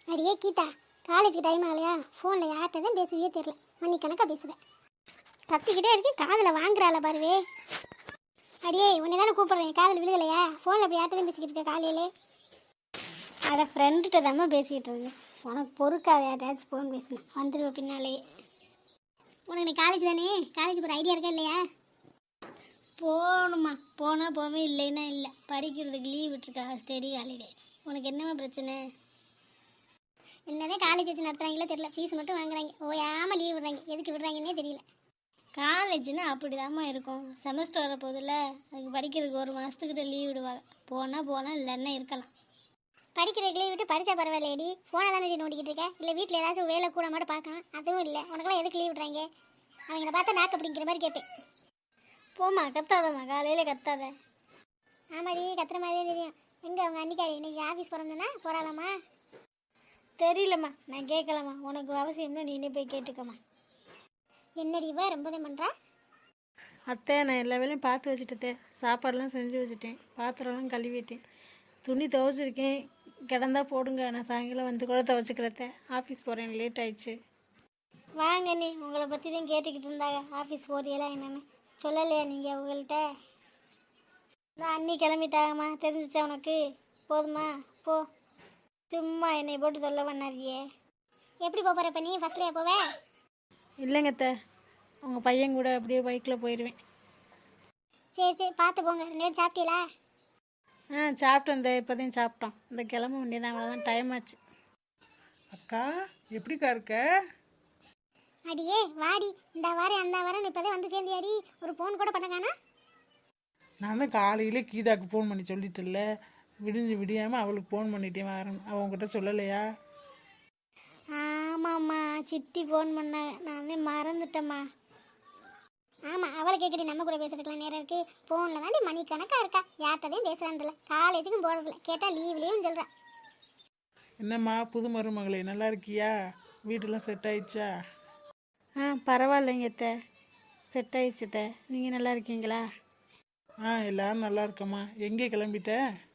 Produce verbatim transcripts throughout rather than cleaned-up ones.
அடியே கீதா, காலேஜுக்கு டைம் ஆகலையா? ஃபோனில் யார்கிட்ட தான் பேசுவியே தெரியல, மணி கணக்காக பேசுகிறேன். கத்திக்கிட்டே இருக்கேன், காதில் வாங்குறாள பாருவே. அடியே உன்னை தானே கூப்பிட்றேன், காதில் விழுகலையா? ஃபோனில் அப்படி யார்கிட்ட தான் பேசிக்கிட்டு இருக்க காலையிலே? அட ஃப்ரெண்டுகிட்ட தாம்மா பேசிக்கிட்டு இருந்தேன். உனக்கு பொறுக்காத யார்ட்டாச்சும் ஃபோன் பேசினேன், வந்துடுவேன் பின்னாலேயே. உனக்கு நீ காலேஜ் தானே, காலேஜ் போகிற ஐடியா இருக்கா இல்லையா? போகணுமா, போனால் போவே, இல்லைன்னா இல்லை. படிக்கிறதுக்கு லீவ் விட்டுருக்காங்க, ஸ்டடி ஹாலிடே. உனக்கு என்னம்மா பிரச்சனை? என்னதான் காலேஜ் வச்சு நடத்துகிறாங்களோ தெரியல, ஃபீஸ் மட்டும் வாங்குறாங்க, ஓயாமல் லீவ் விடுறாங்க. எதுக்கு விடுறாங்கன்னே தெரியல. காலேஜ்னா அப்படிதாம்மா இருக்கும். செமஸ்டர் வர போதில்ல, அதுக்கு படிக்கிறதுக்கு ஒரு மாதத்துக்கிட்ட லீவ் விடுவாங்க. போனால் போகலாம், இல்லைன்னா இருக்கலாம். படிக்கிறதுக்கு லீவ் விட்டு படித்தா பரவாயில்லையடி, ஃபோனை தானே நோண்டிக்கிட்டு இருக்கேன். இல்லை வீட்டில் ஏதாச்சும் வேலை கூட மட்டும் பார்க்கலாம், அதுவும் இல்லை. உனக்கெல்லாம் எதுக்கு லீவ் விடுறாங்க? அவங்கள பார்த்தா நாக்கு அப்படிங்கிற மாதிரி கேட்பேன். போம்மா, கத்தாதம்மா, காலையில் கத்தாத. ஆமாடி, கத்துற மாதிரியே தெரியும். எங்கே அவங்க அன்னிக்காரி இன்னைக்கு ஆஃபீஸ் பிறந்தனா போகிறாளாம்மா? தெரியலம்மா, நான் கேட்கலாமா. உனக்கு அவசியம்னா நீனே போய் கேட்டுக்கம்மா. என்னடி இவ ரொம்பதான் பண்ணுறா? அத்தை, நான் எல்லா வேலையும் பார்த்து வச்சுட்டேன். சாப்பாடெலாம் செஞ்சு வச்சுட்டேன், பாத்திரம்லாம் கழுவிட்டேன், துணி துவைச்சிருக்கேன். கிடந்தா போடுங்க, நான் சாயங்காலம் வந்து கூட துவைச்சிக்கிறத. ஆஃபீஸ் போகிறேன், லேட் ஆயிடுச்சு. வாங்க நீ, உங்களை பற்றி தான் கேட்டுக்கிட்டு இருந்தாங்க. ஆஃபீஸ் போறியெல்லாம் என்னென்னு சொல்லலையா நீங்கள் அவங்கள்ட்ட? நான் அண்ணி கிளம்பிட்டாங்கம்மா, தெரிஞ்சிச்சா உனக்கு? போதுமா, போ. சும்மா என்னை போட்டு தொல்லை பண்ணாதியே. எப்படி போகிற இப்போ நீ? ஃபஸ்ட்லேயே போவே? இல்லைங்க அத்தை, உங்கள் பையன் கூட அப்படியே பைக்கில் போயிடுவேன். சரி சரி, பார்த்து போங்க. ரெண்டு பேரும் சாப்பிட்டீங்களா? ஆ, சாப்பிட்டோம். இந்த இப்போ தான் சாப்பிட்டோம். இந்த கிளம்ப வேண்டியதான், அவ்வளோதான், டைம் ஆச்சு. அக்கா, எப்படிக்கா இருக்க? அடியே வாடி, இந்த வாரம் அந்த வாரம் இப்போதான் வந்து சேர்ந்தியாடி. ஒரு ஃபோன் கூட பண்ணக்கானா? நான் தான் காலையிலே கீதாக்கு ஃபோன் பண்ணி சொல்லிட்டேன்ல, விடிஞ்சு விடியாமல் அவளுக்கு ஃபோன் பண்ணிட்டேன். வரேன், அவங்ககிட்ட சொல்லலையா? ஆமாம்மா, சித்தி ஃபோன் பண்ணாங்க, நான் வந்து மறந்துட்டேம்மா. ஆமாம், அவளை கேட்குறி, நம்ம கூட பேசுறதுக்கலாம் நேரம் இருக்குது. ஃபோனில் தாண்டி மணி கணக்காக இருக்கா, யார்கிட்டதையும் பேசுகிறான்ல, காலேஜுக்கும் போகிறதில்ல, கேட்டால் லீவ்லேயும் சொல்கிறான். என்னம்மா புது மருமகளே, நல்லா இருக்கியா? வீட்டெல்லாம் செட் ஆயிடுச்சா? ஆ, பரவாயில்லைங்க அத்தை, செட் ஆயிடுச்சு அத்தை. நீங்கள் நல்லா இருக்கீங்களா? ஆ, எல்லாரும் நல்லா இருக்கம்மா. எங்கே கிளம்பிட்ட?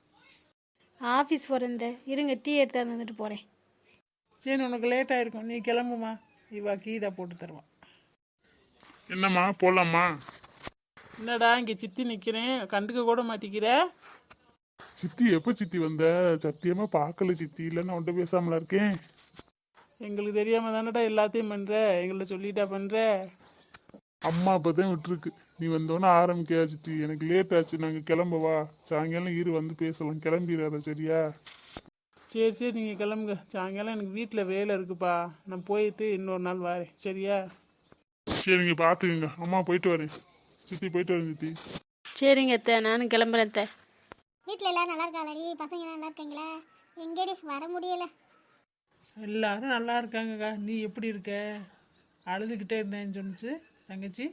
ஆஃபீஸ் போகிறேன். இந்த இருங்க, டீ எடுத்து வந்துட்டு போகிறேன். சரி, உனக்கு லேட் ஆயிருக்கும், நீ கிளம்புமா. இவா கீதா போட்டு தருவான். என்னம்மா, போலாமா? என்னடா இங்கே சித்தி நிற்கிறேன், கண்டுக்க கூட மாட்டிக்கிற? சித்தி எப்போ சித்தி வந்த? சத்தியமா பார்க்கல சித்தி, இல்லைன்னா உன்ட்ட பேசாமலா இருக்கேன். எங்களுக்கு தெரியாம தானடா எல்லாத்தையும் பண்ற, எங்கள்ட்ட சொல்லிட்டா பண்ற. அம்மா அப்பதான் விட்டுருக்கு, நீ வந்தோன்னே ஆரம்பிக்கா சித்தி. எனக்கு லேட் ஆச்சு, நாங்கள் கிளம்பவா? சாயங்காலம் இரு வந்து பேசலாம், கிளம்பிடாத சரியா? சரி சரி, நீங்கள் கிளம்புங்க. சாயங்காலம் எனக்கு வீட்டில் வேலை இருக்குப்பா, நான் போயிட்டு இன்னொரு நாள் வரேன், சரியா? சரிங்க, பார்த்துக்குங்க. அம்மா போயிட்டு வரேன் சித்தி, போயிட்டு வரேன் சித்தி. சரிங்க அத்தை, நானும் கிளம்புறேன் அத்தை. வீட்டில் எல்லோரும் நல்லா இருக்காளடி? பசங்க நல்லா இருக்கீங்களா? எங்கேடி வர முடியலை. எல்லாரும் நல்லா இருக்காங்கக்கா. நீ எப்படி இருக்க? அழுதுகிட்டே இருந்தேன்னு சொன்னிச்சு தங்கச்சி.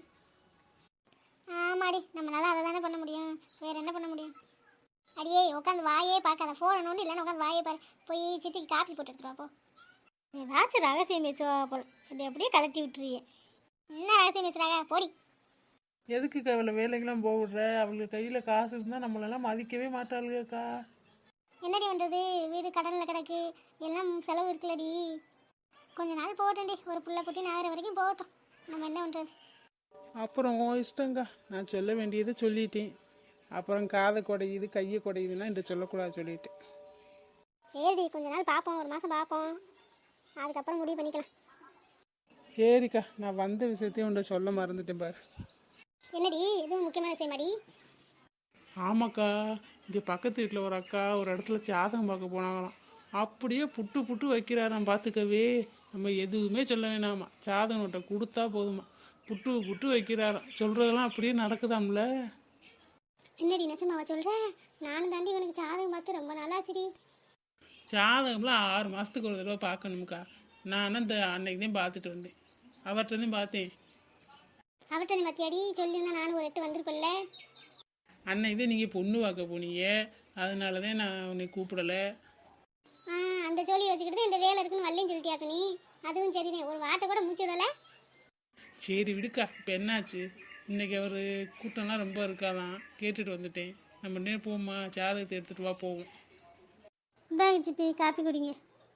ஆமாடி, நம்மளால அதை தானே பண்ண முடியும், வேற என்ன பண்ண முடியும்? அடியே உட்காந்து வாயே பார்க்காத, ஃபோனை நோண்டி இல்லைன்னா உட்காந்து வாயே பாரு. போய் சித்திக்கு காப்பி போட்டு எடுத்துருவா போ. ஏதாச்சும் ரகசியம் பேசுவா போல, இப்படி அப்படியே கலட்டி விட்டுருவியே. என்ன ரகசியம் பேசுறாங்க, போடி. எதுக்குக்கா இவ்வளோ வேலைக்கெல்லாம் போவிடுற? அவளுக்கு கையில் காசு இருந்தால் நம்மளெல்லாம் மதிக்கவே மாட்டாளுக்கா. என்னடி பண்ணுறது, வீடு கடனில் கிடக்கு, எல்லாம் செலவு இருக்குல்லடி. கொஞ்ச நாள் போகட்டேன்டி, ஒரு புள்ள குட்டி நாகிற வரைக்கும் போகட்டும், நம்ம என்ன பண்ணுறது? அப்புறம் உன் இஷ்டங்கா, நான் சொல்ல வேண்டியதை சொல்லிட்டேன். அப்புறம் காதை குடையுது கையை குடையுதுன்னா இந்த சொல்லக்கூடாது சொல்லிட்டேன். சரிடி, கொஞ்ச நாள் பார்ப்போம், ஒரு மாதம் பார்ப்போம், அதுக்கப்புறம் முடிவு பண்ணிக்கலாம். சரிக்கா, நான் வந்த விஷயத்தையும் உன்ட்ட சொல்ல மறந்துட்டேன் பாரு. என்னடி, எதுவும் முக்கியமான விஷயமாடி? ஆமாக்கா, இங்கே பக்கத்து வீட்டில் ஒரு அக்கா ஒரு இடத்துல ஜாதகம் பார்க்க போனாங்களாம். அப்படியே புட்டு புட்டு வைக்கிறாராம், பார்த்துக்கவே. நம்ம எதுவுமே சொல்ல வேணாமா, ஜாதகம் நோட்டை கொடுத்தா போதுமா, புட்டு புட்டு வைக்கிறாராம். சொல்கிறதெல்லாம் அப்படியே நடக்குதாம்ல. என்னடி நச்சமாவா சொல்கிற? நானும் தாண்டி இவனுக்கு ஜாதகம் பார்த்து ரொம்ப நாளாச்சுடி. ஜாதகம்லாம் ஆறு மாதத்துக்கு ஒரு தடவை பார்க்கணும்க்கா. நான் அந்த அன்னைக்கு தான் பார்த்துட்டு வந்தேன், அவர்கிட்ட தான் பார்த்தேன். அவர்கிட்ட நீ மத்தியாடி சொல்லியிருந்தா நானும் ஒரு எட்டு வந்திருப்பேன்ல. அன்னைக்கு தான் நீங்கள் பொண்ணு பார்க்க போனீங்க, அதனால தான் நான் உன்னை கூப்பிடலை. ஆ, அந்த ஜோலி வச்சுக்கிட்டு தான் இந்த வேலை இருக்குன்னு வரலன்னு சொல்லிட்டியாக்கு நீ. அதுவும் சரிதான், ஒரு வார்த்தை கூட மூச்சு விடலை. சரி விடுக்கா, இப்போ என்னாச்சு? இன்னைக்கு அவர் கூட்டம்லாம் ரொம்ப இருக்காதான், கேட்டுட்டு வந்துட்டேன். நம்ம நேரம் போமா, ஜாதகத்தை எடுத்துகிட்டு வா, போவோம். இந்தாங்க சித்தி, காப்பி குடிங்க.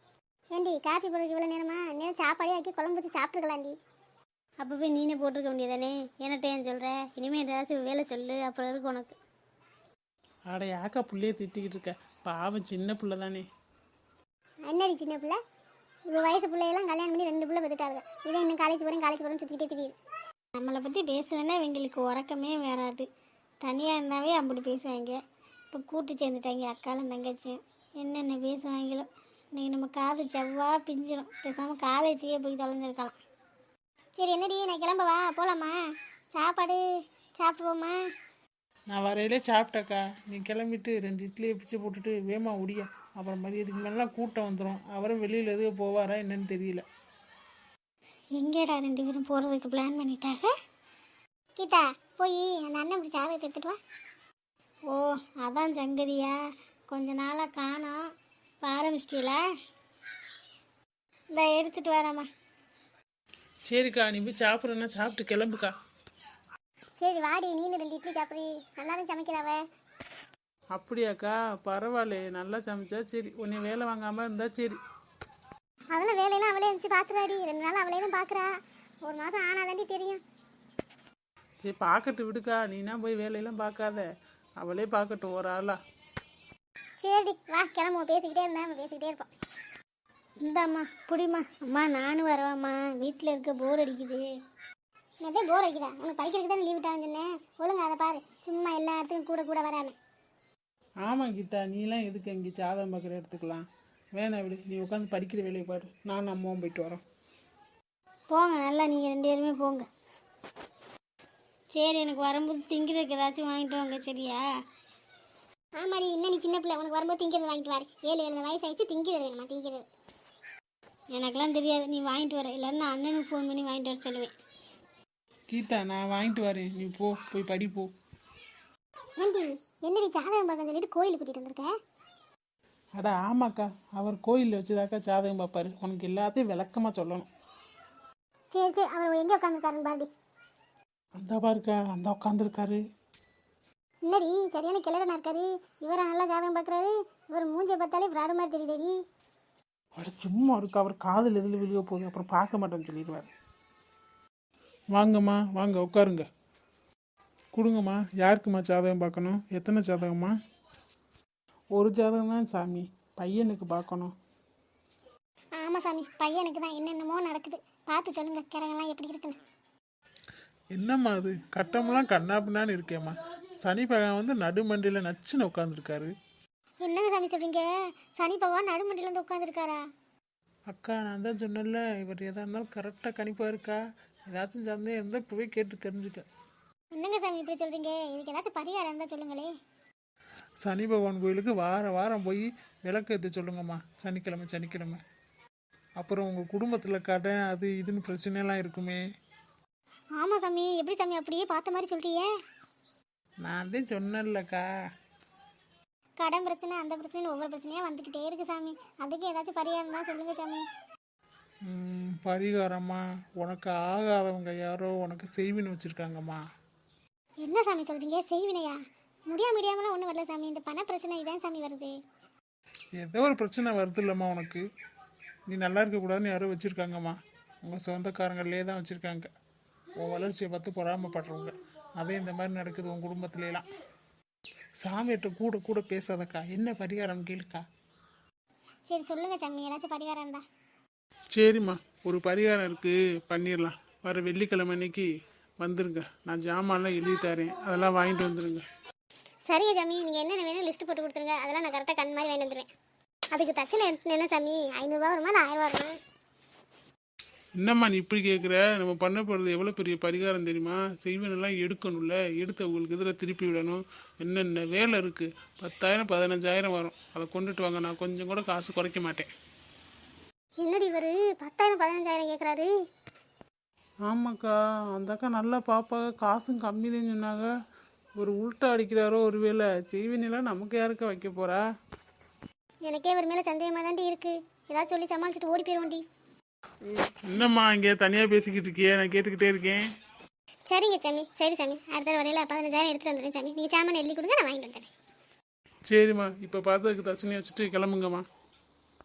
ஏண்டி காஃபி போடுறதுக்கு இவ்வளோ நேரமா நேரம் சாப்பாடே ஆக்கி குழம்பு வச்சு சாப்பிட்டுருக்கலாண்டி. அப்போ போய் நீனே போட்டிருக்க வேண்டியதானே, என்னட்ட ஏன் சொல்கிற? இனிமேல் ஏதாச்சும் வேலை சொல்லு, அப்புறம் இருக்கு உனக்கு. அட யாக்கா புள்ளையே திட்டிக்கிட்டு இருக்க, பாவம் சின்ன பிள்ளை தானே. என்னடி சின்ன பிள்ளை, இப்போ வயசு பிள்ளையெல்லாம் கல்யாணம் பண்ணி ரெண்டு பிள்ளை பெற்றுட்டாங்க. இதே இன்னும் காலேஜ் போகிறேன் காலேஜ் போகிறேன்னு சுற்றிக்கிட்டே தெரியுது. நம்மளை பற்றி பேசுவேன்னா இவங்களுக்கு உறக்கமே வராது. தனியாக இருந்தாவே அப்படி பேசுவாங்க. இப்போ கூட்டு சேர்ந்துட்டாங்க அக்காலும் தங்கச்சியும், என்னென்ன பேசுவாங்களோ. இன்றைக்கி நம்ம காது செவ்வா பிஞ்சிடும். பேசாமல் காலேஜுக்கே போய் தொலைஞ்சிருக்கலாம். சரி என்னடி, நான் கிளம்பவா, போகலாமா? சாப்பாடு சாப்பிடுவோமா? நான் வரையிலே சாப்பிட்டக்கா, நீ கிளம்பிட்டு ரெண்டு இட்லியை பிச்சு போட்டுட்டு வேமா உடியா. அப்புறம் மதியத்துக்கு மேலாம் கூட்டம் வந்துடும். அவரும் வெளியில் எதுவும் போவாரா என்னன்னு தெரியல. எங்கேடா ரெண்டு பேரும் போகிறதுக்கு பிளான் பண்ணிட்டாங்க? கீதா போய் அந்த அண்ணன் இப்படி ஜாதகத்தை எடுத்துட்டு வா. ஓ அதான் சங்கதியா, கொஞ்ச நாளாக காணோம். இப்போ ஆரம்பிச்சிட்டீங்களா? இந்த எடுத்துகிட்டு வராம்மா. சரிக்கா, நீ போய் சாப்பிட்றேன்னா சாப்பிட்டு கிளம்புக்கா. சரி வாடி, நீனு ரெண்டு இட்லி சாப்பிட்றி, நல்லா தான் சமைக்கிறாவ. அப்படியாக்கா, பரவாயில்ல, நல்லா சமைச்சா சரி. உன்னை வேலை வாங்காமல் இருந்தா சரி. அதெல்லாம் வேலையெல்லாம் அவளே இருந்துச்சு பார்க்குறாடி. ரெண்டு நாள் அவளே தான் பார்க்குறா. ஒரு மாதம் ஆனாதாண்டி தெரியும். சரி பார்க்கட்டு விடுக்கா, நீனா போய் வேலையெல்லாம் பார்க்காத, அவளே பார்க்கட்டும் ஒரு ஆளா. சரிடி வா கிளம்புவோம். பேசிக்கிட்டே இருந்தா நம்ம பேசிக்கிட்டே இருப்போம். இந்தாம்மா புடிமா. அம்மா நானும் வரவாம்மா, வீட்டில் இருக்க போர் அடிக்குது. அதே போர் அடிக்குதா? உனக்கு படிக்கிறதுக்கு தானே லீவ் விட்டான்னு சொன்னேன். ஒழுங்க அதை பாரு, சும்மா எல்லா இடத்துக்கும் கூட கூட வராம. ஆமாம் கீதா, நீலாம் எதுக்கு அங்கே ஜாதகம் பார்க்குற எடுத்துக்கலாம். வேணாம் விடு, நீ உட்காந்து படிக்கிற வேலையை பாரு. நான் அம்மாவும் போயிட்டு வரோம். போங்க நல்லா, நீங்கள் ரெண்டு பேருமே போங்க. சரி எனக்கு வரும்போது திங்கிறதுக்கு ஏதாச்சும் வாங்கிட்டு வாங்க சரியா? ஆமாடி, இன்னும் நீ சின்ன பிள்ளை, உனக்கு வரும்போது திங்கிறது வாங்கிட்டு வாரு. ஏழு ஏழு வயசு ஆயிடுச்சு, திங்கிறது வேணுமா? திங்கிறது எனக்கெல்லாம் தெரியாது, நீ வாங்கிட்டு வர. இல்லைன்னா நான் அண்ணனுக்கு ஃபோன் பண்ணி வாங்கிட்டு வர சொல்லுவேன். கீதா நான் வாங்கிட்டு வரேன், நீ போ, போய் படி போ. ஏண்டி என்னடி ஜாதகம் பார்க்க சொல்லிட்டு கோயிலுக்கு கூட்டிகிட்டு வந்திருக்க? அடா ஆமாக்கா, அவர் கோயிலில் வச்சுதாக்கா ஜாதகம் பார்ப்பாரு. உனக்கு எல்லாத்தையும் விளக்கமாக சொல்லணும். சரி சரி, அவர் எங்கே உட்காந்துருக்காருன்னு பாருடி. அந்த பாருக்கா, அந்த உட்காந்துருக்காரு. என்னடி சரியான கிளடனா இருக்காரு. இவரை நல்லா ஜாதகம் பார்க்குறாரு. இவர் மூஞ்சியை பார்த்தாலே ஃப்ராடு மாதிரி தெரியுதேடி. அவர் சும்மா இருக்கு, அவர் காதில் எதில் விழுக போகுது, அப்புறம் பார்க்க மாட்டேன்னு சொல்லிடுவார். வாங்கம்மா வாங்க உட்காருங்க. கொடுங்கம்மா. யாருக்குமா ஜாதகம் பார்க்கணும்? எத்தனை ஜாதகம்மா? ஒரு ஜாதகம் தான் சாமி, பையனுக்கு பார்க்கணும். ஆமாம் சாமி, பையனுக்கு தான். என்னென்னமோ நடக்குது, பார்த்து சொல்லுங்க கிரகம்லாம் எப்படி இருக்குன்னு. என்னம்மா அது கட்டமெல்லாம் கண்ணாப்பின்னான்னு இருக்கேம்மா. சனி பகவான் வந்து நடுமண்டியில் நச்சுன்னு உட்காந்துருக்காரு. என்னங்க சாமி சொல்கிறீங்க? சனி பகவான் நடுமண்டியில் வந்து உட்காந்துருக்காரா? அக்கா நான் தான் சொன்னேன்ல, இவர் எதாக இருந்தாலும் கரெக்டாக கணிப்பாக இருக்கா. ஏதாச்சும் சந்தேகம் இருந்தால் இப்போவே கேட்டு தெரிஞ்சுக்க. என்னங்க சாமி இப்படி சொல்கிறீங்க? இதுக்கு ஏதாச்சும் பரிகாரம் இருந்தால் சொல்லுங்களே. சனி பகவான் கோயிலுக்கு வார வாரம் போய் விளக்கு ஏற்ற சொல்லுங்கம்மா, சனிக்கிழமை சனிக்கிழமை. அப்புறம் உங்கள் குடும்பத்தில் கடை அது இதுன்னு பிரச்சனைலாம் இருக்குமே. ஆமாம் சாமி, எப்படி சாமி அப்படியே பார்த்த மாதிரி சொல்கிறீங்க? நான் தான் சொன்னேன்லக்கா. கடன் பிரச்சனை அந்த பிரச்சனை ஒவ்வொரு பிரச்சனையாக வந்துக்கிட்டே இருக்குது சாமி. அதுக்கு ஏதாச்சும் பரிகாரம் தான் சொல்லுங்கள் சாமி. ம், பரிகாரம்மா, உனக்கு ஆகாதவங்க யாரோ உனக்கு செய்வின்னு வச்சுருக்காங்கம்மா. என்ன சாமி சொல்கிறீங்க? செய்வினையா? முடியா முடியாமலாம் ஒன்றும் வரல சாமி. இந்த பண பிரச்சனை இதான் சாமி வருது. ஏதோ ஒரு பிரச்சனை வருது இல்லைம்மா உனக்கு. நீ நல்லா இருக்கக்கூடாதுன்னு யாரோ வச்சுருக்காங்கம்மா. உங்கள் சொந்தக்காரங்களே தான் வச்சுருக்காங்க. உன் வளர்ச்சியை பார்த்து பொறாமப்படுறவங்க. அதே இந்த மாதிரி நடக்குது உன் குடும்பத்துலாம். சாமியிட்ட கூட கூட பேசாதக்கா. என்ன பரிகாரம் கேளுக்கா. சரி சொல்லுங்கள் சாமி, ஏதாச்சும் பரிகாரம் இருந்தா. சரிம்மா, ஒரு பரிகாரம் இருக்குது, பண்ணிடலாம். வர வெள்ளிக்கிழமை அன்னைக்கு வந்துருங்க. நான் ஜாமான்லாம் எழுதி தரேன், அதெல்லாம் வாங்கிட்டு வந்துடுங்க. சரிங்க சாமி, நீங்கள் என்னென்ன வேணும் லிஸ்ட்டு போட்டு கொடுத்துருங்க. அதெல்லாம் நான் கரெக்டாக கண் மாதிரி வாங்கிட்டு வந்துடுவேன். அதுக்கு தட்சணை என்ன சாமி? ஐநூறுரூவா வருமா இல்லை ஆயிரம் ரூபா வருமா? என்னம்மா நீ இப்படி கேட்குற? நம்ம பண்ண போகிறது எவ்வளோ பெரிய பரிகாரம் தெரியுமா? செய்வனெல்லாம் எடுக்கணும்ல, எடுத்து உங்களுக்கு இதில் திருப்பி விடணும். என்னென்ன வேலை இருக்குது. பத்தாயிரம் பதினஞ்சாயிரம் வரும். அதை கொண்டுட்டு வாங்க, நான் கொஞ்சம் கூட காசு குறைக்க மாட்டேன். என்னடி இவர் பத்தாயிரம் பதினஞ்சாயிரம் கேட்குறாரு? ஆமாக்கா, அந்த அக்கா நல்லா பாப்பாங்க, காசும் கம்மி தான் சொன்னாங்க. ஒரு உள்ட்டா அடிக்கிறாரோ ஒரு வேலை. செய்வினெல்லாம் நமக்கு யாருக்கா வைக்க போகிறா? எனக்கே இவர் மேலே சந்தேகமாக தாண்டி இருக்குது. ஏதாச்சும் சொல்லி சமாளிச்சுட்டு ஓடி போயிடுவோண்டி. என்னம்மா இங்கே தனியாக பேசிக்கிட்டு இருக்கியே, நான் கேட்டுக்கிட்டே இருக்கேன். சரிங்க சாமி, சரி சாமி, அடுத்த வரையில் பதினஞ்சாயிரம் எடுத்துகிட்டு வந்துடுறேன் சாமி. நீங்கள் சாமான் எழுதி கொடுங்க, நான் வாங்கிட்டு வந்துடுறேன். சரிம்மா, இப்போ பார்த்ததுக்கு தட்சணையை வச்சுட்டு கிளம்புங்கம்மா.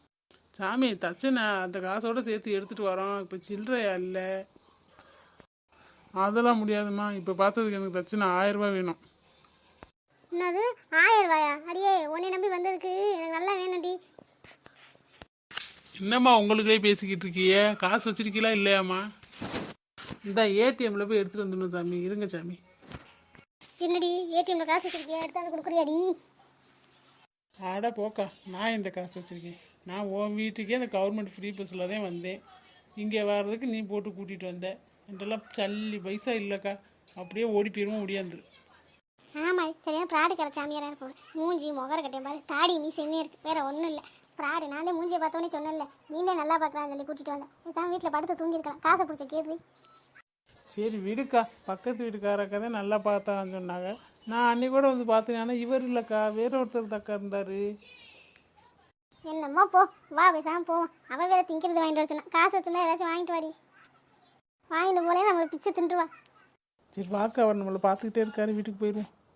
சாமி தச்சனை அந்த காசோட சேர்த்து எடுத்துட்டு வரோம், இப்போ சில்லறையா இல்லை. அதெல்லாம் முடியாதும்மா, இப்போ பார்த்ததுக்கு எனக்கு தச்சனை ஆயிரம் ரூபாய் வேணும். என்னது ஆயிரம் ரூபாயா? அடியே உன்னை நம்பி வந்ததுக்கு எனக்கு நல்லா வேணும்டி. என்னம்மா உங்களுக்கே பேசிக்கிட்டு இருக்கிய? காசு வச்சிருக்கீங்களா இல்லையாம்மா? இந்த ஏடிஎம்ல போய் எடுத்துட்டு வந்துடணும் சாமி. இருங்க சாமி. என்னடி ஏடிஎம்ல காசு வச்சிருக்கியா? எடுத்தாந்து கொடுக்குறியாடி? ஆடா போக்கா, நான் இந்த காசு வச்சிருக்கேன். நான் உன் வீட்டுக்கே அந்த கவர்மெண்ட் ஃப்ரீ பஸ்ஸில் தான் வந்தேன். இங்கே வர்றதுக்கு நீ போட்டு கூட்டிகிட்டு வந்த. இதெல்லாம் சல்லி பைசா இல்லைக்கா, அப்படியே ஓடி போயிருவோம் முடியாந்துரு. ஆமாம், சரியான ப்ராடு கடை சாமியாராக இருக்கும். மூஞ்சி முகர கட்டையும் பாரு, தாடி மீ செம்மையாக இருக்குது, வேற ஒன்றும் இல்லை. ப்ராடு. நான் தான் மூஞ்சியை பார்த்தோன்னே சொன்னேன்ல, நீந்தே நல்லா பார்க்குறான்னு சொல்லி கூட்டிகிட்டு வந்தேன். இதுதான் வீட்டில் படுத்து தூங்கியிருக்கலாம். காசை பிடிச்ச கேள்வி. சரி விடுக்கா, பக்கத்து வீட்டுக்காரக்கா தான் நல்லா பார்த்தான்னு சொன்னாங்க. நான் அன்னைக்கு கூட வந்து பார்த்தேன், ஆனால் இவர் இல்லைக்கா, வேற ஒருத்தர் தக்கா இருந்தார். என்னம்மா போ, வா பேசாமல் போவோம். அவள் வேற திங்கிறது வாங்கிட்டு வர சொன்னா. காசு வச்சுருந்தா ஏதாச்சும் வாங்கிட்டு வாடி. வாங்கிட்டு போலே நம்மளை பிச்சை தின்றுவா. சரி வாக்கா, அவர் நம்மளை பார்த்துக்கிட்டே இருக்காரு, வீட்டுக்கு போயிடுவோம்.